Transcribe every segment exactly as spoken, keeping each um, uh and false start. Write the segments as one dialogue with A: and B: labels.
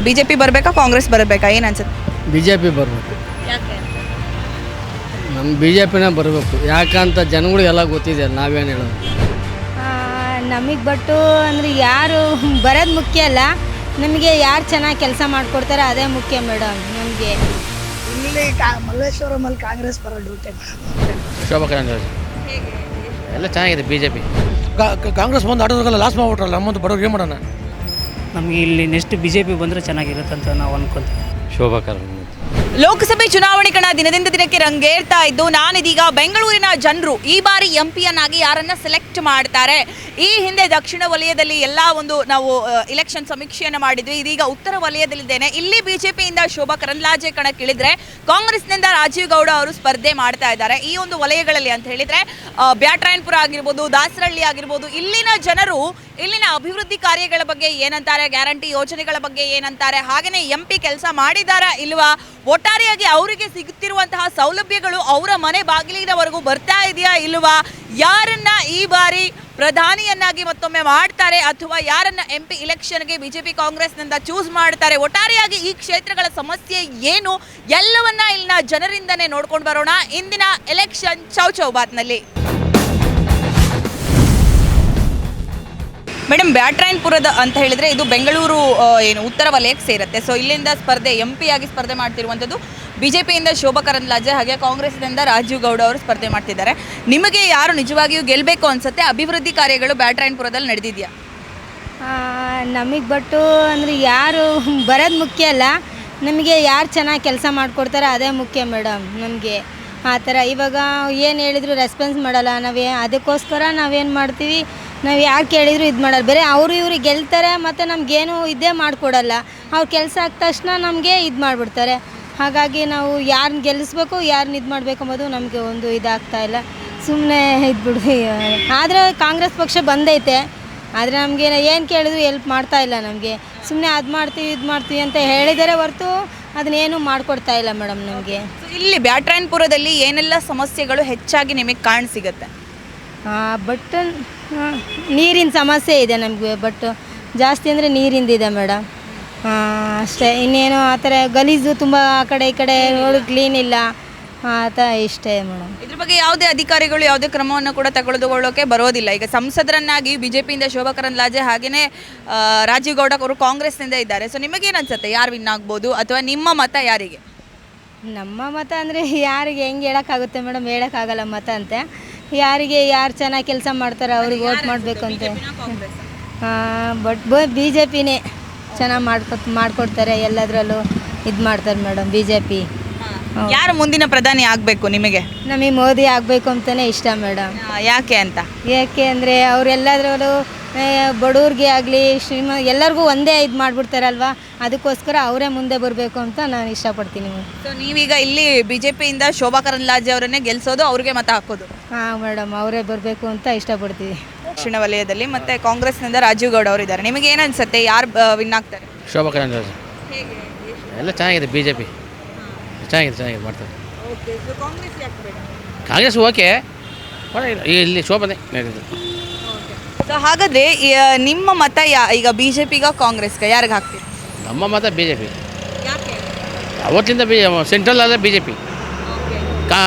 A: BJP ಬರಬೇಕಾ ಕಾಂಗ್ರೆಸ್ ಬರಬೇಕಾ ಏನು ಅನ್ಸುತ್ತೆ?
B: ಬಿ ಜೆ ಪಿ ಬರಬೇಕು.
A: ಯಾಕೆ?
B: ನಮ್ಮ ಬಿ ಜೆ ಪಿನೇ ಬರಬೇಕು. ಯಾಕಂತ ಜನಗಳಿಗೆಲ್ಲ ಗೊತ್ತಿದೆ, ನಾವೇನು ಹೇಳೋದು.
C: ನಮಗೆ ಬಟ್ಟು ಅಂದರೆ ಯಾರು ಬರೋದು ಮುಖ್ಯ ಅಲ್ಲ, ನಮಗೆ ಯಾರು ಚೆನ್ನಾಗಿ ಕೆಲಸ ಮಾಡಿಕೊಡ್ತಾರೆ ಅದೇ ಮುಖ್ಯ ಮೇಡಮ್ ನಮಗೆ.
D: ಇಲ್ಲಿ ಕಾ ಮಲ್ಲೇಶ್ವರಮಲ್ಲಿ ಕಾಂಗ್ರೆಸ್ ಬರೋ ಡ್ಯೂಟಿ
E: ಶೋಭಾ ಕರಂದ್ಲಾಜೆ ಎಲ್ಲ ಚೆನ್ನಾಗಿದೆ. ಬಿ ಜೆ ಪಿ
F: ಕಾಂಗ್ರೆಸ್ ಬಂದು ಆಟೋದಕ್ಕೆಲ್ಲ ಲಾಸ್ ಮಾಡ್ಬಿಟ್ರಲ್ಲ, ನಮ್ಮಂತ ಬಡವ್ರಿಗೆ ಏನು ಮಾಡೋಣ?
G: ನಮಗೆ ಇಲ್ಲಿ ನೆಕ್ಸ್ಟ್ ಬಿ ಜೆ ಪಿ ಬಂದರೆ ಚೆನ್ನಾಗಿರುತ್ತೆ ಅಂತ ನಾವು ಅನ್ಕೊಂತೀವಿ.
E: ಶೋಭಾ ಕರಂದ್ಲಾಜೆ.
A: ಲೋಕಸಭೆ ಚುನಾವಣೆ ಕಣ ದಿನದಿಂದ ದಿನಕ್ಕೆ ರಂಗೇರ್ತಾ ಇದ್ದು, ನಾನಿದೀಗ ಬೆಂಗಳೂರಿನ ಜನರು ಈ ಬಾರಿ ಎಂ ಪಿಯನ್ನಾಗಿ ಯಾರನ್ನ ಸೆಲೆಕ್ಟ್ ಮಾಡ್ತಾರೆ. ಈ ಹಿಂದೆ ದಕ್ಷಿಣ ವಲಯದಲ್ಲಿ ಎಲ್ಲ ಒಂದು ನಾವು ಇಲೆಕ್ಷನ್ ಸಮೀಕ್ಷೆಯನ್ನು ಮಾಡಿದ್ವಿ. ಇದೀಗ ಉತ್ತರ ವಲಯದಲ್ಲಿದ್ದೇನೆ. ಇಲ್ಲಿ ಬಿಜೆಪಿಯಿಂದ ಶೋಭಾ ಕರಂದ್ಲಾಜೆ ಕಣಕ್ಕಿಳಿದ್ರೆ, ಕಾಂಗ್ರೆಸ್ನಿಂದ ರಾಜೀವ್ ಗೌಡ ಅವರು ಸ್ಪರ್ಧೆ ಮಾಡ್ತಾ ಇದ್ದಾರೆ. ಈ ಒಂದು ವಲಯಗಳಲ್ಲಿ ಅಂತ ಹೇಳಿದ್ರೆ ಬ್ಯಾಟ್ರಾಯನ್ಪುರ ಆಗಿರ್ಬೋದು, ದಾಸರಳ್ಳಿ ಆಗಿರ್ಬೋದು, ಇಲ್ಲಿನ ಜನರು ಇಲ್ಲಿನ ಅಭಿವೃದ್ಧಿ ಕಾರ್ಯಗಳ ಬಗ್ಗೆ ಏನಂತಾರೆ, ಗ್ಯಾರಂಟಿ ಯೋಜನೆಗಳ ಬಗ್ಗೆ ಏನಂತಾರೆ, ಹಾಗೆಯೇ ಎಂ ಪಿ ಕೆಲಸ ಮಾಡಿದಾರಾ ಇಲ್ವಾ, ಒಟ್ಟಾರೆಯಾಗಿ ಅವರಿಗೆ ಸಿಗುತ್ತಿರುವಂತಹ ಸೌಲಭ್ಯಗಳು ಅವರ ಮನೆ ಬಾಗಿಲಿನವರೆಗೂ ಬರ್ತಾ ಇದೆಯಾ ಇಲ್ವಾ, ಯಾರನ್ನ ಈ ಬಾರಿ ಪ್ರಧಾನಿಯನ್ನಾಗಿ ಮತ್ತೊಮ್ಮೆ ಮಾಡ್ತಾರೆ ಅಥವಾ ಯಾರನ್ನ ಎಂ ಪಿ ಇಲೆಕ್ಷನ್ಗೆ ಬಿಜೆಪಿ ಕಾಂಗ್ರೆಸ್ನಿಂದ ಚೂಸ್ ಮಾಡ್ತಾರೆ, ಒಟ್ಟಾರೆಯಾಗಿ ಈ ಕ್ಷೇತ್ರಗಳ ಸಮಸ್ಯೆ ಏನು ಎಲ್ಲವನ್ನ ಇಲ್ಲಿನ ಜನರಿಂದನೇ ನೋಡ್ಕೊಂಡು ಬರೋಣ ಇಂದಿನ ಎಲೆಕ್ಷನ್ ಚೌ ಚೌಬಾತ್ನಲ್ಲಿ. ಮೇಡಮ್, ಬ್ಯಾಟ್ರಾಯನ್ಪುರದ ಅಂತ ಹೇಳಿದ್ರೆ ಇದು ಬೆಂಗಳೂರು ಏನು ಉತ್ತರ ವಲಯಕ್ಕೆ ಸೇರುತ್ತೆ. ಸೊ ಇಲ್ಲಿಂದ ಸ್ಪರ್ಧೆ ಎಂ ಪಿ ಆಗಿ ಸ್ಪರ್ಧೆ ಮಾಡ್ತಿರುವಂಥದ್ದು ಬಿಜೆಪಿಯಿಂದ ಶೋಭಾ ಕರಂದ್ಲಾಜೆ, ಹಾಗೆ ಕಾಂಗ್ರೆಸ್ನಿಂದ ರಾಜೀವ್ ಗೌಡ ಅವರು ಸ್ಪರ್ಧೆ ಮಾಡ್ತಿದ್ದಾರೆ. ನಿಮಗೆ ಯಾರು ನಿಜವಾಗಿಯೂ ಗೆಲ್ಲಬೇಕು ಅನ್ಸುತ್ತೆ? ಅಭಿವೃದ್ಧಿ ಕಾರ್ಯಗಳು ಬ್ಯಾಟ್ರಾಯನ್ಪುರದಲ್ಲಿ ನಡೆದಿದೆಯಾ?
C: ನಮಗೆ ಬಟ್ಟು ಅಂದರೆ ಯಾರು ಬರೋದು ಮುಖ್ಯ ಅಲ್ಲ, ನಮಗೆ ಯಾರು ಚೆನ್ನಾಗಿ ಕೆಲಸ ಮಾಡಿಕೊಡ್ತಾರೆ ಅದೇ ಮುಖ್ಯ ಮೇಡಮ್ ನಮಗೆ. ಆ ಥರ ಇವಾಗ ಏನು ಹೇಳಿದ್ರು ರೆಸ್ಪಾನ್ಸ್ ಮಾಡಲ್ಲ. ನಾವೇ ಅದಕ್ಕೋಸ್ಕರ ನಾವೇನು ಮಾಡ್ತೀವಿ, ನಾವು ಯಾರು ಕೇಳಿದ್ರು ಇದು ಮಾಡಲ್ಲ. ಬೇರೆ ಅವರು ಇವರು ಗೆಲ್ತಾರೆ ಮತ್ತು ನಮಗೇನು ಇದೇ ಮಾಡಿಕೊಡಲ್ಲ. ಅವ್ರ ಕೆಲಸ ಆದ ತಕ್ಷಣ ನಮಗೆ ಇದು ಮಾಡಿಬಿಡ್ತಾರೆ. ಹಾಗಾಗಿ ನಾವು ಯಾರನ್ನ ಗೆಲ್ಲಿಸ್ಬೇಕು, ಯಾರನ್ನ ಇದು ಮಾಡಬೇಕು ಅಂಬೋದು ನಮಗೆ ಒಂದು ಇದಾಗ್ತಾ ಇಲ್ಲ. ಸುಮ್ಮನೆ ಇದ್ಬಿಡು. ಆದರೆ ಕಾಂಗ್ರೆಸ್ ಪಕ್ಷ ಬಂದೈತೆ, ಆದರೆ ನಮಗೆ ಏನು ಕೇಳಿದ್ರು ಎಲ್ಪ್ ಮಾಡ್ತಾ ಇಲ್ಲ. ನಮಗೆ ಸುಮ್ಮನೆ ಅದು ಮಾಡ್ತೀವಿ ಇದು ಮಾಡ್ತೀವಿ ಅಂತ ಹೇಳಿದರೆ ಹೊರತು ಅದನ್ನೇನು ಮಾಡಿಕೊಡ್ತಾ ಇಲ್ಲ ಮೇಡಮ್ ನಮಗೆ.
A: ಇಲ್ಲಿ ಬ್ಯಾಟ್ರಾಯನ್ಪುರದಲ್ಲಿ ಏನೆಲ್ಲ ಸಮಸ್ಯೆಗಳು ಹೆಚ್ಚಾಗಿ ನಿಮಗೆ ಕಾಣ ಸಿಗುತ್ತೆ?
C: ಬಟ್ ನೀರಿನ ಸಮಸ್ಯೆ ಇದೆ ನಮಗೆ. ಬಟ್ ಜಾಸ್ತಿ ಅಂದರೆ ನೀರಿಂದಿದೆ ಮೇಡಮ್, ಅಷ್ಟೇ. ಇನ್ನೇನು ಆ ಥರ ಗಲೀಜು ತುಂಬ, ಆ ಕಡೆ ಈ ಕಡೆ ರೋಡ್ ಕ್ಲೀನ್ ಇಲ್ಲ, ಆ ಥರ ಇಷ್ಟೇ ಮೇಡಮ್.
A: ಇದ್ರ ಬಗ್ಗೆ ಯಾವುದೇ ಅಧಿಕಾರಿಗಳು ಯಾವುದೇ ಕ್ರಮವನ್ನು ಕೂಡ ತೆಗೆದುಕೊಳ್ಳೋಕೆ ಬರೋದಿಲ್ಲ. ಈಗ ಸಂಸದರನ್ನಾಗಿ ಬಿಜೆಪಿಯಿಂದ ಶೋಭಾ ಕರಂದ್ಲಾಜೆ ಹಾಗೆಯೇ ರಾಜೀವ್ ಗೌಡ ಅವರು ಕಾಂಗ್ರೆಸ್ನಿಂದ ಇದ್ದಾರೆ. ಸೊ ನಿಮಗೇನು ಅನ್ಸುತ್ತೆ, ಯಾರು ವಿನ್ ಆಗ್ಬೋದು ಅಥವಾ ನಿಮ್ಮ ಮತ ಯಾರಿಗೆ?
C: ನಮ್ಮ ಮತ ಅಂದರೆ ಯಾರಿಗೆ ಹೆಂಗೆ ಹೇಳೋಕ್ಕಾಗುತ್ತೆ ಮೇಡಮ್, ಹೇಳೋಕ್ಕಾಗಲ್ಲ ಮತ ಅಂತೆ. ಯಾರಿಗೆ ಯಾರು ಚೆನ್ನಾಗಿ ಕೆಲಸ ಮಾಡ್ತಾರೆ ಅವ್ರಿಗೆ ವೋಟ್ ಮಾಡಬೇಕು ಅಂತೆ. ಬಟ್ ಬಿ ಜೆ ಪಿನೇ ಚೆನ್ನಾಗಿ ಮಾಡ್ಕೊ ಮಾಡಿಕೊಡ್ತಾರೆ ಎಲ್ಲದರಲ್ಲೂ ಇದು ಮಾಡ್ತಾರೆ ಮೇಡಮ್ ಬಿ ಜೆ ಪಿ.
A: ಯಾರು ಮುಂದಿನ ಪ್ರಧಾನಿ ಆಗಬೇಕು ನಿಮಗೆ?
C: ನಮಗೆ ಮೋದಿ ಆಗಬೇಕು ಅಂತಲೇ ಇಷ್ಟ ಮೇಡಮ್.
A: ಯಾಕೆ ಅಂತ?
C: ಯಾಕೆ ಅಂದರೆ ಅವರೆಲ್ಲದ್ರಲ್ಲೂ ಬಡವ್ರಿಗೆ ಆಗಲಿ ಶ್ರೀಮ ಎಲ್ಲರಿಗೂ ಒಂದೇ ಇದು ಮಾಡಿಬಿಡ್ತಾರಲ್ವ, ಅದಕ್ಕೋಸ್ಕರ ಅವರೇ ಮುಂದೆ ಬರಬೇಕು ಅಂತ ನಾನು ಇಷ್ಟಪಡ್ತೀನಿ.
A: ಸೊ ನೀವೀಗ ಇಲ್ಲಿ ಬಿ ಜೆ ಪಿಯಿಂದ ಶೋಭಾ ಕರಂದ್ಲಾಜೆ ಅವರನ್ನೇ ಗೆಲ್ಲಿಸೋದು, ಅವ್ರಿಗೆ ಮತ ಹಾಕೋದು?
C: ಹಾಂ ಮೇಡಮ್, ಅವರೇ ಬರಬೇಕು ಅಂತ ಇಷ್ಟಪಡ್ತೀವಿ.
A: ದಕ್ಷಿಣ ವಲಯದಲ್ಲಿ ಮತ್ತು ಕಾಂಗ್ರೆಸ್ನಿಂದ ರಾಜೀವ್ ಗೌಡ ಅವರು ಇದ್ದಾರೆ. ನಿಮಗೆ ಏನು ಅನಿಸುತ್ತೆ, ಯಾರು ವಿನ್ ಆಗ್ತಾರೆ?
E: ಶೋಭಾ ಕರಂದ್ಲಾಜೆ ಎಲ್ಲ ಚೆನ್ನಾಗಿದೆ. ಬಿ ಜೆ ಪಿ ಚೆನ್ನಾಗಿದೆ ಚೆನ್ನಾಗಿದೆ ಮಾಡ್ತಾರೆ. ಕಾಂಗ್ರೆಸ್ ಓಕೆ, ಇಲ್ಲಿ ಶೋಭನೆ.
A: ಸೊ ಹಾಗಾದರೆ ನಿಮ್ಮ ಮತ ಯಾ ಈಗ ಬಿ ಜೆ ಪಿಗ ಕಾಂಗ್ರೆಸ್ಗೆ ಯಾರಿಗೆ ಹಾಕ್ತೀರಿ?
E: ನಮ್ಮ ಮತ ಬಿ ಜೆ ಪಿ. ಅವತ್ತಿಂದ ಬಿ ಸೆಂಟ್ರಲ್ ಅದೇ ಬಿ ಜೆ ಪಿ, ಕಾ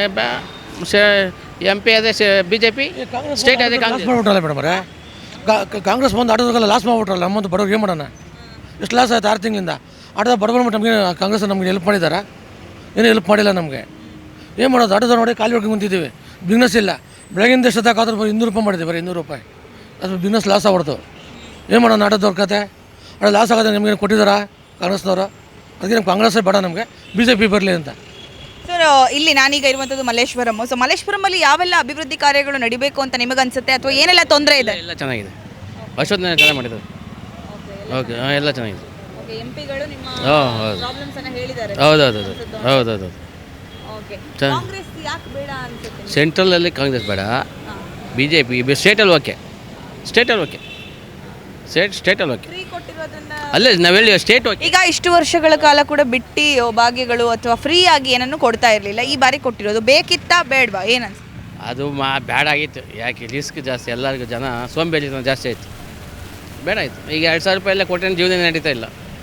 E: ಎಂ ಪಿ ಅದೇ ಬಿ ಜೆ ಪಿ, ಸ್ಟೇಟ್ ಅದೇ ಕಾಂಗ್ರೆಸ್
F: ಮಾಡ್ಬಿಟ್ರಲ್ಲ ಮೇಡಮ್ ಅವರೇ. ಕಾಂಗ್ರೆಸ್ ಬಂದು ಆಟೋದಕ್ಕೆಲ್ಲ ಲಾಸ್ ಮಾಡ್ಬಿಟ್ರಲ್ಲ, ನಮ್ಮಂತ ಬಡವ್ರಿಗೆ ಏನು ಮಾಡೋಣ? ಎಷ್ಟು ಲಾಸ್ ಆಯ್ತು ಆರು ತಿಂಗಳಿಂದ. ಆಟೋದ ಬಡವರು ನಮಗೆ ಕಾಂಗ್ರೆಸ್ ನಮಗೆ ಹೆಲ್ಪ್ ಮಾಡಿದ್ದಾರೆ, ಏನೂ ಹೆಲ್ಪ್ ಮಾಡಿಲ್ಲ ನಮಗೆ. ಏನು ಮಾಡೋದು? ಆಟೋದ ನೋಡಿ ಖಾಲಿ ಹೊಡ್ಕೊಂಡು ಕುಂತಿದ್ದೀವಿ, ಬಿಸ್ನೆಸ್ ಇಲ್ಲ. ಬೆಳಗಿನ ಎಷ್ಟೊತ್ತಾಕಾದ್ರೂ ಇನ್ನೂರು ರೂಪಾಯಿ ಮಾಡಿದ್ದೀವಿ, ಬರೀ ಇನ್ನೂರು ರೂಪಾಯಿ. ಅದು ಬಿಸ್ನೆಸ್ ಲಾಸ್ ಆಗ್ಬಿಡ್ತು. ಏನು ಮಾಡೋಣ? ಆಟೋದವ್ರ ಕತೆ ಅದು ಲಾಸ್ ಆಗೋದು ನಮಗೆ ಕೊಟ್ಟಿದ್ದಾರಾ ಕಾಂಗ್ರೆಸ್ನವರು? ಅದಕ್ಕೆ ನಮ್ಗೆ ಕಾಂಗ್ರೆಸ್ಸೇ ಬೇಡ, ನಮಗೆ ಬಿ ಜೆ ಪಿ ಬರಲಿ ಅಂತ.
A: ಸರ್, ಇಲ್ಲಿ ನಾನೀಗ ಇರುವಂಥದ್ದು ಮಲ್ಲೇಶ್ವರಂ. ಸೊ ಮಲ್ಲೇಶ್ವರಮಲ್ಲಿ ಯಾವೆಲ್ಲ ಅಭಿವೃದ್ಧಿ ಕಾರ್ಯಗಳು ನಡಿಬೇಕು ಅಂತ ನಿಮಗನ್ಸುತ್ತೆ, ಅಥವಾ ಏನೆಲ್ಲ ತೊಂದರೆ ಇದೆ?
E: ಎಲ್ಲ ಚೆನ್ನಾಗಿದೆ, ಅಷ್ಟೊತ್ತಿನ ಚೆನ್ನಾಗಿ ಮಾಡಿದ್ದಾರೆ. ಓಕೆ, ಹಾಂ, ಎಲ್ಲ ಚೆನ್ನಾಗಿದೆ. ಹಾಂ, ಹೌದು ಹೌದೌದು ಹೌದೌದು. ಸೆಂಟ್ರಲಲ್ಲಿ ಕಾಂಗ್ರೆಸ್ ಬೇಡ, ಬಿ ಜೆ ಪಿ. ಸ್ಟೇಟಲ್ಲಿ ಓಕೆ, ಸ್ಟೇಟಲ್ಲಿ ಓಕೆ, ಸ್ಟೇಟ್ ಸ್ಟೇಟಲ್ಲಿ ಓಕೆ. ಅಲ್ಲೇ ನಾವು ಹೇಳಿ ಸ್ಟೇಟ್ ಓಕೆ.
A: ಈಗ ಇಷ್ಟು ವರ್ಷಗಳ ಕಾಲ ಕೂಡ ಬಿಟ್ಟು ಭಾಗ್ಯಗಳು ಅಥವಾ ಫ್ರೀ ಆಗಿ ಏನನ್ನು ಕೊಡ್ತಾ ಇರಲಿಲ್ಲ, ಈ ಬಾರಿ ಕೊಟ್ಟಿರೋದು ಬೇಕಿತ್ತಾ ಬೇಡವಾ ಏನನ್ಸ?
E: ಅದು ಮಾ ಬೇಡ ಆಗಿತ್ತು. ಯಾಕೆ ರಿಸ್ಕ್ ಜಾಸ್ತಿ, ಎಲ್ಲರಿಗೂ ಜನ ಸೋಂಬೇರಿತನ ಜಾಸ್ತಿ ಆಯಿತು, ಬೇಡ ಆಯಿತು. ಈಗ ಎರಡು ಸಾವಿರ ರೂಪಾಯಿ ಎಲ್ಲ ಕೊಟ್ಟರೆ ಜೀವನ ನಡೀತಾ ಇಲ್ಲ.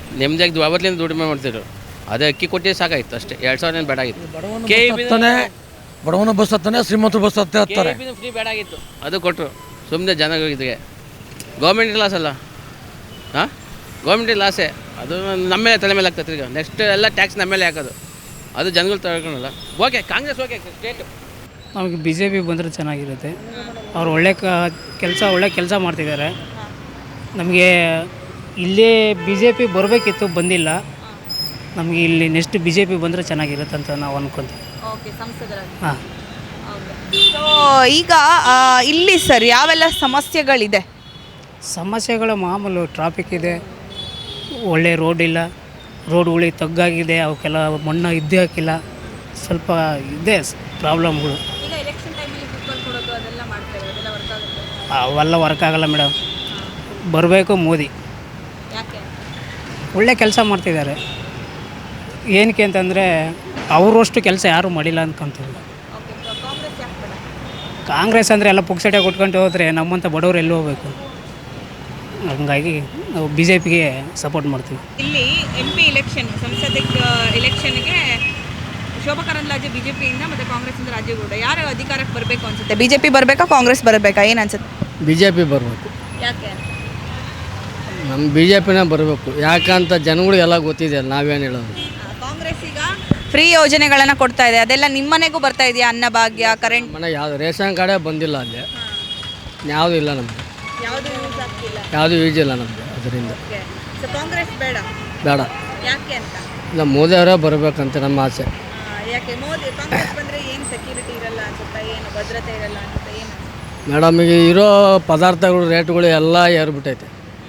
E: ನೆಮ್ಮದಿಯಾಗಿ ಅವತ್ತಿಂದ ದುಡಿಮೆ ಮಾಡ್ತಿದ್ರು. ಅದೇ ಅಕ್ಕಿ ಕೊಟ್ಟು ಸಾಕಾಯ್ತು ಅಷ್ಟೇ, ಎರಡು ಸಾವಿರ ಏನು ಬೇಡ ಆಗಿತ್ತು. ಕೆ ಇ ಬಿ
F: ಹತ್ತಾನೆ ಬಡವನ ಬಸ್ ಹತ್ತಾನೆ, ಶ್ರೀಮಂತರು ಬಸ್ ಹತ್ತೆ ಹತ್ತಾರೆ.
E: ಫ್ರೀ ಬೇಡ ಆಗಿತ್ತು, ಅದು ಕೊಟ್ಟರು ಸುಮ್ಮನೆ ಜನಗಳಿಗೆ. ಗೌರ್ಮೆಂಟ್ ಲಾಸ್ ಅಲ್ಲ, ಹಾಂ ಗೌರ್ಮೆಂಟಿಗೆ ಲಾಸೇ, ಅದು ನಮ್ಮ ಮೇಲೆ ತಲೆ ಮೇಲೆ ಆಗ್ತದೆ. ಈಗ ನೆಕ್ಸ್ಟ್ ಎಲ್ಲ ಟ್ಯಾಕ್ಸ್ ನಮ್ಮ ಮೇಲೆ ಹಾಕೋದು, ಅದು ಜನಗಳು ತಗೊಳ್ಳಲ್ಲ. Okay Congress okay state.
G: ನಮಗೆ ಬಿ ಜೆ ಪಿ ಬಂದರೆ ಚೆನ್ನಾಗಿರುತ್ತೆ. ಅವ್ರು ಒಳ್ಳೆ ಕ ಕೆಲಸ ಒಳ್ಳೆ ಕೆಲಸ ಮಾಡ್ತಿದ್ದಾರೆ. ನಮಗೆ ಇಲ್ಲೇ ಬಿ ಜೆ ಪಿ ಬರಬೇಕಿತ್ತು, ಬಂದಿಲ್ಲ. ನಮಗೆ ಇಲ್ಲಿ ನೆಕ್ಸ್ಟ್ ಬಿ ಜೆ ಪಿ ಬಂದರೆ ಚೆನ್ನಾಗಿರುತ್ತೆ ಅಂತ ನಾವು ಅಂದ್ಕೊತೀವಿ.
A: ಓಕೆ, ಸಂಸದರಾಗಿ.
G: ಹಾಂ,
A: ಸೊ ಈಗ ಆ, ಇಲ್ಲಿ ಸರ್ ಯಾವೆಲ್ಲ ಸಮಸ್ಯೆಗಳಿದೆ?
G: ಸಮಸ್ಯೆಗಳು ಮಾಮೂಲು ಟ್ರಾಫಿಕ್ ಇದೆ, ಒಳ್ಳೆ ರೋಡ್ ಇಲ್ಲ, ರೋಡ್ಗಳಿಗೆ ತಗ್ಗಾಗಿದೆ, ಅವಕ್ಕೆಲ್ಲ ಮಣ್ಣು ಇದ್ದೇ ಹಾಕಿಲ್ಲ, ಸ್ವಲ್ಪ ಇದೆ ಪ್ರಾಬ್ಲಮ್ಗಳು.
A: ಈಗ ಎಲೆಕ್ಷನ್ ಟೈಮಲ್ಲಿ ಕೂತ್ಕೊಂಡು ಕೊಡೋದು ಅದೆಲ್ಲ ಮಾಡ್ತಾರೆ, ಅದೆಲ್ಲ ವರ್ಕ್ ಆಗುತ್ತೆ?
G: ಅವೆಲ್ಲ ವರ್ಕ್ ಆಗಲ್ಲ ಮೇಡಮ್. ಬರಬೇಕು ಮೋದಿ,
A: ಯಾಕೆ?
G: ಒಳ್ಳೆ ಕೆಲಸ ಮಾಡ್ತಿದ್ದಾರೆ. ಏನಕ್ಕೆ ಅಂತಂದರೆ ಅವರಷ್ಟು ಕೆಲಸ ಯಾರೂ ಮಾಡಿಲ್ಲ ಅಂದ್ಕೊಂತೀವಿ.
A: ಓಕೆ, ಕಾಂಗ್ರೆಸ್ ಯಾಕೆ ಬೇಡ?
G: ಕಾಂಗ್ರೆಸ್ ಅಂದರೆ ಎಲ್ಲ ಪುಕ್ಸಟೆ ಕೊಟ್ಕೊಂಡು ಹೋದರೆ ನಮ್ಮಂಥ ಬಡವರು ಎಲ್ಲಿ ಹೋಗ್ಬೇಕು. ಹಂಗಾಗಿ ನಾವು ಬಿ ಜೆ ಪಿಗೆ ಸಪೋರ್ಟ್ ಮಾಡ್ತೀವಿ.
A: ಇಲ್ಲಿ ಎಂ ಪಿ ಇಲೆಕ್ಷನ್, ಸಂಸದಿಕ್ ಇಲೆಕ್ಷನ್ಗೆ ಶೋಭಾ ಕರಂದ್ಲಾಜೆ ಬಿಜೆಪಿಯಿಂದ ಮತ್ತು ಕಾಂಗ್ರೆಸ್ಸಿಂದ ರಾಜೇಗೌಡ, ಯಾರು ಅಧಿಕಾರಕ್ಕೆ ಬರಬೇಕು ಅನ್ಸುತ್ತೆ? ಬಿಜೆಪಿ ಬರಬೇಕಾ, ಕಾಂಗ್ರೆಸ್ ಬರಬೇಕಾ, ಏನು ಅನ್ಸುತ್ತೆ?
B: ಬಿ ಜೆ ಪಿ ಬರಬೇಕು.
A: ಯಾಕೆ?
B: ನಮ್ಮ ಬಿ ಜೆ ಪಿನೇ ಬರಬೇಕು. ಯಾಕಂತ ಜನಗಳಿಗೆಲ್ಲ ಗೊತ್ತಿದೆ, ನಾವೇನು ಹೇಳೋದು.
A: ಕಾಂಗ್ರೆಸ್ ಈಗ ಫ್ರೀ ಯೋಜನೆಗಳನ್ನು ಕೊಡ್ತಾ ಇದೆ, ಅದೆಲ್ಲ ನಿಮ್ಮ ಮನೆಗೂ ಬರ್ತಾ ಇದೆಯಾ? ಅನ್ನಭಾಗ್ಯ, ಕರೆಂಟ್,
B: ಮನೆ ಯಾವುದು ರೇಷನ್ ಕಾರ್ಡೇ ಬಂದಿಲ್ಲ, ಅಲ್ಲಿ ಯಾವುದೂ ಇಲ್ಲ ನಮಗೆ,
A: ಯಾವುದು ಯೂಸ್ ಆಗ್ತಿಲ್ಲ.
B: ಯಾವುದು ಯೂಸ್ ಇಲ್ಲ ನಮಗೆ. ಅದರಿಂದ
A: ಸೊ ಕಾಂಗ್ರೆಸ್ ಬೇಡ.
B: ಬೇಡ,
A: ಯಾಕೆ ಅಂತ?
B: ಇಲ್ಲ ಮೋದಿಯವರೇ ಬರಬೇಕಂತ ನಮ್ಮ ಆಸೆ.
A: ಯಾಕೆ ಮೋದಿ ಕಾಂಗ್ರೆಸ್ ಬಂದರೆ ಏನು ಸೆಕ್ಯೂರಿಟಿ ಇರಲ್ಲ ಅನ್ಸುತ್ತಾ, ಏನು ಭದ್ರತೆ ಇರಲ್ಲ ಅನ್ಸುತ್ತಾ, ಏನು?
B: ಮೇಡಮ್, ಈಗ ಇರೋ ಪದಾರ್ಥಗಳು ರೇಟ್ಗಳು ಎಲ್ಲ ಏರ್ಬಿಟ್ಟೈತೆ.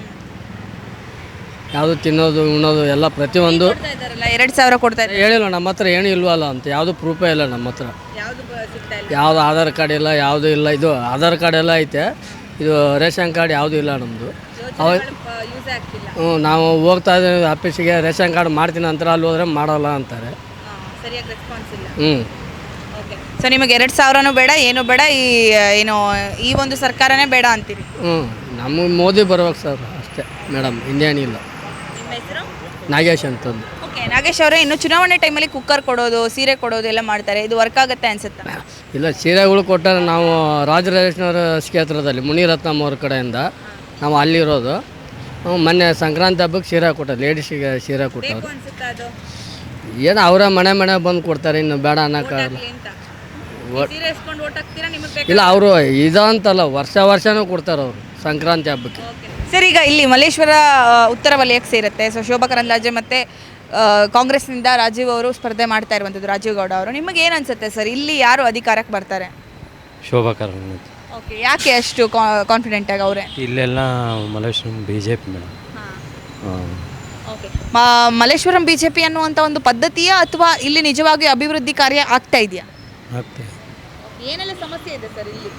B: ಯಾವುದು ತಿನ್ನೋದು ಉಣ್ಣೋದು ಎಲ್ಲ ಪ್ರತಿಯೊಂದು
A: ಕೊಡ್ತಾ ಇದ್ದಾರಲ್ಲ, ಎರಡು ಸಾವಿರ ಕೊಡ್ತಾ ಇದ್ದಾರೆ,
B: ಹೇಳಿಲ್ಲ ನಮ್ಮ ಹತ್ರ ಏನು ಇಲ್ವಲ್ಲ ಅಂತ, ಯಾವುದು ಪ್ರೂಫೇ ಇಲ್ಲ ನಮ್ಮ ಹತ್ರ.
A: ಯಾವುದು ಸಿಗ್ತಾ ಇಲ್ಲ.
B: ಯಾವುದು ಆಧಾರ್ ಕಾರ್ಡ್ ಇಲ್ಲ, ಯಾವುದು ಇಲ್ಲ. ಇದು ಆಧಾರ್ ಕಾರ್ಡ್ ಎಲ್ಲ ಐತೆ, ಇದು ರೇಷನ್ ಕಾರ್ಡ್ ಯಾವುದೂ ಇಲ್ಲ ನಮ್ಮದು. ಅವ
A: ಯೂಸ್ ಆಗ್ತಿಲ್ಲ.
B: ಹ್ಞೂ ನಾವು ಹೋಗ್ತಾ ಇದ್ದೀವಿ ಆಫೀಸಿಗೆ, ರೇಷನ್ ಕಾರ್ಡ್ ಮಾಡ್ತೀನಿ ಅಂತಾರೆ, ಅಲ್ಲಿ ಹೋದರೆ ಮಾಡಲ್ಲ ಅಂತಾರೆ.
A: ಸರಿಯಾಗಿ ರೆಸ್ಪಾನ್ಸ್ ಇಲ್ಲ.
B: ಹ್ಞೂ
A: ಓಕೆ, ಸೊ ನಿಮಗೆ ಎರಡು ಸಾವಿರನೂ ಬೇಡ, ಏನು ಬೇಡ, ಈ ಏನು ಈ ಒಂದು ಸರ್ಕಾರನೇ ಬೇಡ ಅಂತೀರಿ?
B: ಹ್ಞೂ ನಮಗೆ ಮೋದಿ ಬರ್ಬೇಕು ಸರ್, ಅಷ್ಟೇ ಮೇಡಮ್, ಇನ್ನೇನಿಲ್ಲ.
A: ನಿಮ್ಮ ಹೆಸರು?
B: ನಾಗೇಶ್ ಅಂತಂದು.
A: ಓಕೆ, ನಾಗೇಶ್ ಅವರೇ, ಇನ್ನು ಚುನಾವಣೆ ಟೈಮಲ್ಲಿ ಕುಕ್ಕರ್ ಕೊಡೋದು, ಸೀರೆ ಕೊಡೋದು ಎಲ್ಲ ಮಾಡ್ತಾರೆ, ಇದು ವರ್ಕ್ ಆಗುತ್ತೆ ಅನ್ಸುತ್ತಾ?
B: ಇಲ್ಲ, ಸೀರೆಗಳು ಕೊಟ್ಟರೆ ನಾವು ರಾಜರಾಜೇಶ್ವರ ಕ್ಷೇತ್ರದಲ್ಲಿ ಮುನಿರತ್ನಮ್ಮ ಅವ್ರ ಕಡೆಯಿಂದ ನಾವು ಅಲ್ಲಿರೋದು. ಹ್ಞೂ, ಮೊನ್ನೆ ಸಂಕ್ರಾಂತಿ ಹಬ್ಬಕ್ಕೆ ಸೀರೆ ಕೊಟ್ಟರು, ಲೇಡೀಸಿಗೆ ಸೀರೆ ಕೊಟ್ಟರು.
A: ಅನ್ಸುತ್ತಾ ಅದು
B: ಏನು ಅವರ ಮನೆ ಮನೆ ಬಂದು ಕೊಡ್ತಾರೆ, ಇನ್ನು ಬೇಡ ಅನ್ನೋಕ್ಕಾಗಲ್ಲ.
A: ಅಂತ? ಸೀರೆ ಇಸ್ಕೊಂಡು ಓಟ್ ಹಾಕ್ತೀರಾ? ನಿಮಗೆ
B: ಇಲ್ಲ, ಅವರು ಇದಂತಲ್ಲ, ವರ್ಷ ವರ್ಷನೂ ಕೊಡ್ತಾರೆ ಅವರು ಸಂಕ್ರಾಂತಿ ಹಬ್ಬಕ್ಕೆ.
A: ಸರ್, ಈಗ ಇಲ್ಲಿ ಮಲ್ಲೇಶ್ವರ ಆ, ಉತ್ತರ ವಲಯಕ್ಕೆ ಸೇರುತ್ತೆ. ಸೊ ಶೋಭಾ ಕರಂದ್ಲಾಜೆ ಮತ್ತು ಕಾಂಗ್ರೆಸ್ನಿಂದ ರಾಜೀವ್ ಅವರು ಸ್ಪರ್ಧೆ ಮಾಡ್ತಾ ಇರುವಂಥದ್ದು, ರಾಜೀವ್ ಗೌಡ ಅವರು. ನಿಮಗೆ ಏನು ಅನ್ಸುತ್ತೆ ಸರ್, ಇಲ್ಲಿ ಯಾರು ಅಧಿಕಾರಕ್ಕೆ ಬರ್ತಾರೆ?
H: ಶೋಭಾ ಕರಂದ್ಲಾಜೆ.
A: ಓಕೆ, ಯಾಕೆ ಅಷ್ಟು ಕಾನ್ಫಿಡೆಂಟ್ ಆಗಿ ಅವರೇ?
H: ಇಲ್ಲೆಲ್ಲ Malleshwaram B J P madam. ಹಾಂ,
A: okay, Malleshwaram B J P ಅನ್ನುವಂಥ ಒಂದು ಪದ್ಧತಿಯ ಅಥವಾ ಇಲ್ಲಿ ನಿಜವಾಗಿಯೂ ಅಭಿವೃದ್ಧಿ ಕಾರ್ಯ ಆಗ್ತಾ ಇದೆಯಾ?
H: ಆಗ್ತದೆ.
A: ಏನೆಲ್ಲ ಸಮಸ್ಯೆ ಇದೆ ಸರ್ ಇಲ್ಲಿ?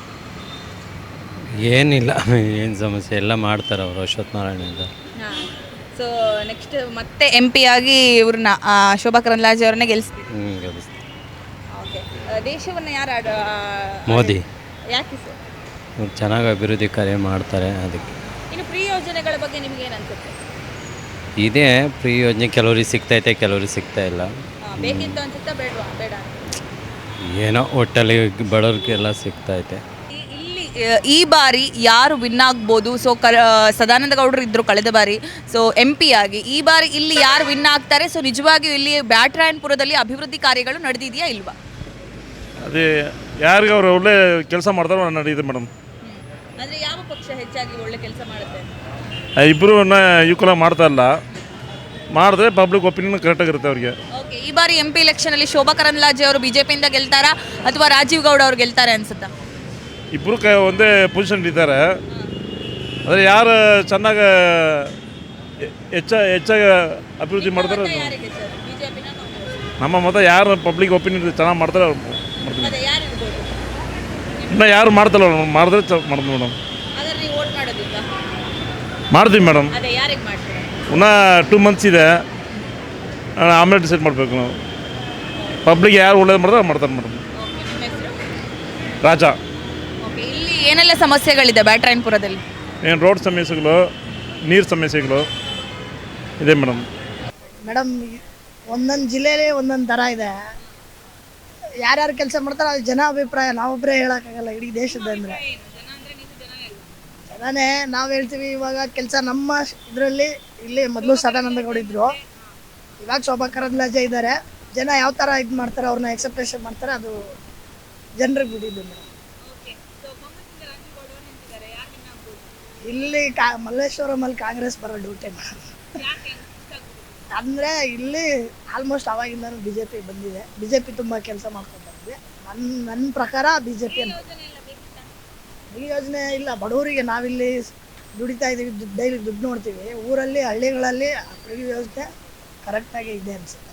H: ಏನಿಲ್ಲ, ಏನು ಸಮಸ್ಯೆ ಎಲ್ಲ ಮಾಡ್ತಾರೆ ಅವರು, ಅಶ್ವಥ್ ನಾರಾಯಣ.
A: ಸೊ ನೆಕ್ಸ್ಟ್ ಮತ್ತೆ ಎಂ ಪಿ ಆಗಿ ಇವ್ರನ್ನ ಆ, ಶೋಭಾ ಕರಂದ್ಲಾಜೆ ಅವ್ರನ್ನ ಗೆಲ್ಲಿಸ್ತೀವಿ.
H: ಹ್ಞೂ ಗೆಲ್ಲಿಸ್ತಾರೆ.
A: ಓಕೆ, ದೇಶವನ್ನು ಯಾರು ಆಡ
H: ಮೋದಿ
A: ಯಾಕೆ ಸರ್?
H: ಅವ್ರು ಚೆನ್ನಾಗಿ ಅಭಿವೃದ್ಧಿ ಕಾರ್ಯ ಮಾಡ್ತಾರೆ, ಅದಕ್ಕೆ.
A: ಇನ್ನು ಫ್ರೀ ಯೋಜನೆಗಳ ಬಗ್ಗೆ ನಿಮ್ಗೆ ಏನು ಅನ್ಸುತ್ತೆ?
H: ಇದೇ ಫ್ರೀ ಯೋಜನೆ ಕೆಲವ್ರಿಗೆ ಸಿಗ್ತೈತೆ, ಕೆಲವ್ರಿಗೆ ಸಿಗ್ತಾ ಇಲ್ಲ.
A: ಬೇಕಿತ್ತು ಅನ್ಸುತ್ತಾ, ಬೇಡವಾ? ಬೇಡ.
H: ಏನೋ ಒಟ್ಟಲ್ಲಿ ಬಡವ್ರಿಗೆಲ್ಲ ಸಿಗ್ತೈತೆ.
A: ಈ- ಇಲ್ಲಿ ಆ, ಈ ಬಾರಿ ಯಾರು ವಿನ್ ಆಗ್ಬೋದು? ಸೊ ಕ ಸದಾನಂದ ಗೌಡರು ಇದ್ದರು ಕಳೆದ ಬಾರಿ, ಸೊ ಎಂ ಪಿ ಆಗಿ. ಈ ಬಾರಿ ಇಲ್ಲಿ ಯಾರು ವಿನ್ ಆಗ್ತಾರೆ? ಸೊ ನಿಜವಾಗಿಯೂ ಇಲ್ಲಿ ಬ್ಯಾಟರಾಯನಪುರದಲ್ಲಿ ಅಭಿವೃದ್ಧಿ ಕಾರ್ಯಗಳು ನಡೆದಿದೆಯಾ ಇಲ್ವಾ?
I: ಅದೇ ಯಾರಿಗೆ ಅವರು ಒಳ್ಳೆ ಕೆಲಸ ಮಾಡ್ತಾರೋ ನಡೆಯುತ್ತೆ ಮೇಡಮ್.
A: ಅಂದರೆ ಯಾವ ಪಕ್ಷ ಹೆಚ್ಚಾಗಿ ಒಳ್ಳೆ ಕೆಲಸ ಮಾಡುತ್ತೆ?
I: ಇಬ್ಬರು ಈಕ್ವಲ್ ಮಾಡ್ತಾ ಇಲ್ಲ, ಮಾಡಿದ್ರೆ ಪಬ್ಲಿಕ್ ಒಪಿನಿಯನ್ ಕರೆಕ್ಟಾಗಿರುತ್ತೆ ಅವ್ರಿಗೆ.
A: ಓಕೆ, ಈ ಬಾರಿ ಎಂ ಪಿ ಎಲೆಕ್ಷನಲ್ಲಿ ಶೋಭಾ ಕರಂದ್ಲಾಜೆ ಅವರು ಬಿಜೆಪಿಯಿಂದ ಗೆಲ್ತಾರಾ ಅಥವಾ ರಾಜೀವ್ ಗೌಡ ಅವರು ಗೆಲ್ತಾರೆ ಅನ್ಸುತ್ತಾ?
I: ಇಬ್ಬರು ಕ ಒಂದೇ ಪೊಸಿಷನ್ ಇದ್ದಾರೆ. ಆದರೆ ಯಾರು ಚೆನ್ನಾಗಿ ಹೆಚ್ಚ ಹೆಚ್ಚಾಗಿ ಅಭಿವೃದ್ಧಿ ಮಾಡ್ತಾರೆ, ನಮ್ಮ ಮತ ಯಾರು ಪಬ್ಲಿಕ್ ಒಪಿನಿಯನ್ ಚೆನ್ನಾಗಿ ಮಾಡ್ತಾರೆ ಅವ್ರು ಮಾಡ್ತೀವಿ. ಇನ್ನು ಯಾರು ಮಾಡ್ತಾರಲ್ಲ, ಮಾಡಿದ್ರೆ ಚ ಮಾಡ್ತೀವಿ ಮೇಡಮ್. ಮಾಡ್ತೀವಿ ಮೇಡಮ್. ಇನ್ನೂ ಟೂ ಮಂತ್ಸ್ ಇದೆ, ಆಮೇಲೆ ಡಿಸೈಡ್ ಮಾಡಬೇಕು ನಾವು. ಪಬ್ಲಿಕ್ ಯಾರು ಒಳ್ಳೇದು ಮಾಡಿದ್ರೆ ಮಾಡ್ತಾರೆ ಮೇಡಮ್. ರಾಜ.
A: ಇಲ್ಲಿ ಏನೆಲ್ಲ ಸಮಸ್ಯೆಗಳಿದೆ ಬ್ಯಾಟರಾಯನಪುರದಲ್ಲಿ?
I: ಏನು ರೋಡ್ ಸಮಸ್ಯೆಗಳು, ನೀರು ಸಮಸ್ಯೆಗಳು, ಇದೆ ಮೇಡಮ್.
D: ಮೇಡಮ್ ಒಂದೊಂದು ಜಿಲ್ಲೆಯಲ್ಲಿ ಒಂದೊಂದು ಥರ ಇದೆ. ಯಾರ್ಯಾರು ಕೆಲಸ ಮಾಡ್ತಾರೆ ಅದು ಜನ ಅಭಿಪ್ರಾಯ, ನಾವೊಬ್ಬರೇ ಹೇಳೋಕ್ಕಾಗಲ್ಲ ಇಡೀ ದೇಶದ ಅಂದರೆ. ಜನನೇ ನಾವು ಹೇಳ್ತೀವಿ. ಇವಾಗ ಕೆಲಸ ನಮ್ಮ ಇದರಲ್ಲಿ ಇಲ್ಲಿ ಮೊದಲು ಸದಾನಂದ ಗೌಡ ಇದ್ದರು, ಇವಾಗ ಶೋಭಾ ಕರಂದ್ಲಾಜೆ ಇದ್ದಾರೆ. ಜನ ಯಾವ ಥರ ಇದು ಮಾಡ್ತಾರೆ, ಅವ್ರನ್ನ ಎಕ್ಸೆಪ್ಟೇಷನ್ ಮಾಡ್ತಾರೆ, ಅದು ಜನರಿಗೆ ಬಿಟ್ಟಿದ್ದು ಮೇಡಮ್. ಇಲ್ಲಿ ಕಾ ಮಲ್ಲೇಶ್ವರಮಲ್ಲಿ ಕಾಂಗ್ರೆಸ್ ಬರೋ ಡ್ಯೂಟಿ ಮೇಡಮ್. ಅಂದರೆ ಇಲ್ಲಿ ಆಲ್ಮೋಸ್ಟ್ ಅವಾಗಿಂದನೂ ಬಿ ಜೆ ಪಿ ಬಂದಿದೆ. ಬಿ ಜೆ ಪಿ ತುಂಬ ಕೆಲಸ ಮಾಡ್ಕೊಂಡು ಬಂದಿದೆ. ನನ್ನ ನನ್ನ ಪ್ರಕಾರ ಬಿ ಜೆ ಪಿ ಅಂತ ಈ ಯೋಜನೆ ಇಲ್ಲ. ಬಡವರಿಗೆ ನಾವಿಲ್ಲಿ ದುಡಿತಾ ಇದ್ದೀವಿ, ದುಡ್ಡು ಡೈಲಿ ದುಡ್ಡು ನೋಡ್ತೀವಿ. ಊರಲ್ಲಿ ಹಳ್ಳಿಗಳಲ್ಲಿ ಫ್ರೀ ಯೋಜನೆ ಕರೆಕ್ಟಾಗಿ ಇದೆ ಅನಿಸುತ್ತೆ.